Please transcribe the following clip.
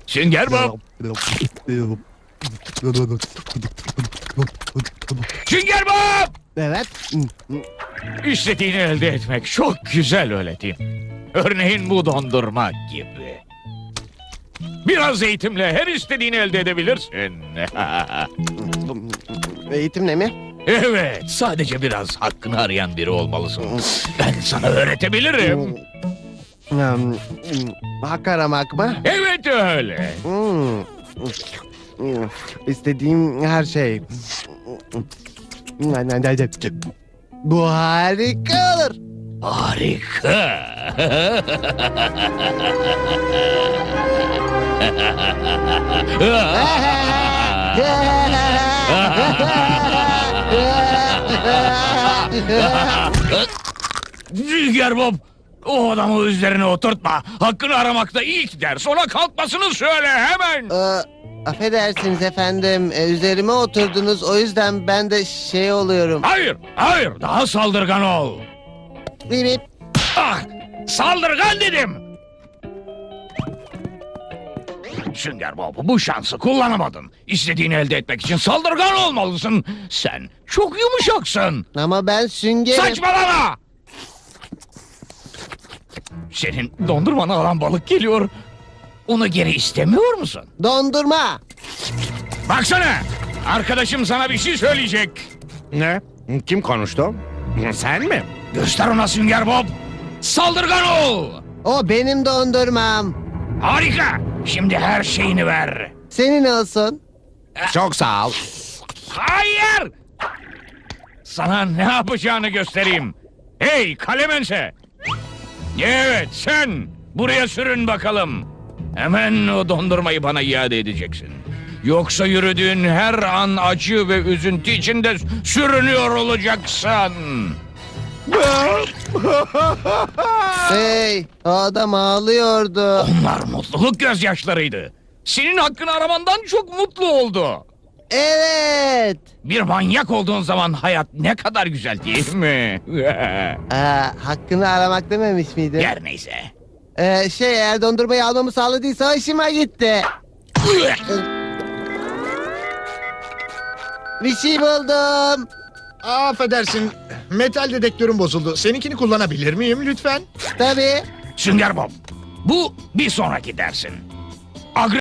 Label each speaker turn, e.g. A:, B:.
A: Sünger Bob! Sünger Bob!
B: Evet.
A: İstediğini elde etmek çok güzel öyle değil mi? Örneğin bu dondurma gibi. Biraz eğitimle her istediğini elde edebilirsin.
B: Eğitimle mi?
A: Evet, sadece biraz hakkını arayan biri olmalısın. Ben sana öğretebilirim.
B: Hak aramak mı?
A: Evet öyle.
B: İstediğim her şey. Bu harika olur.
A: Harika. Sünger Bob, o adamı üzerine oturtma. Hakkını aramakta ilk ders. Ona kalkmasını söyle hemen.
B: Affedersiniz efendim. Üzerime oturdunuz. O yüzden ben de şey oluyorum.
A: Hayır, hayır. Daha saldırgan ol.
B: Bip bip.
A: Ah, saldırgan dedim. Sünger Bob, bu şansı kullanamadın. İstediğini elde etmek için saldırgan olmalısın. Sen çok yumuşaksın.
B: Ama ben süngerim.
A: Saçmalama! Senin dondurmanı alan balık geliyor. Onu geri istemiyor musun?
B: Dondurma.
A: Baksana! Arkadaşım sana bir şey söyleyecek.
C: Ne? Kim konuştu? Sen mi?
A: Göster ona Sünger Bob. Saldırgan ol!
B: O benim dondurmam.
A: Harika! Şimdi her şeyini ver.
B: Senin olsun.
C: Çok sağ ol.
A: Hayır! Sana ne yapacağını göstereyim. Hey Kalemense! Evet sen! Buraya sürün bakalım. Hemen o dondurmayı bana iade edeceksin. Yoksa yürüdüğün her an acı ve üzüntü içinde sürünüyor olacaksın.
B: Hey, o adam ağlıyordu.
A: Onlar mutluluk gözyaşlarıydı. Senin hakkını aramandan çok mutlu oldu.
B: Evet.
A: Bir manyak olduğun zaman hayat ne kadar güzel değil mi?
B: Hakkını aramak dememiş miydi?
A: Her neyse.
B: Eğer dondurmayı almamı sağladıysa hoşuma gitti. Bir şey buldum.
D: Affedersin, metal dedektörüm bozuldu. Seninkini kullanabilir miyim lütfen?
B: Tabii.
A: Sünger Bob, bu bir sonraki dersin.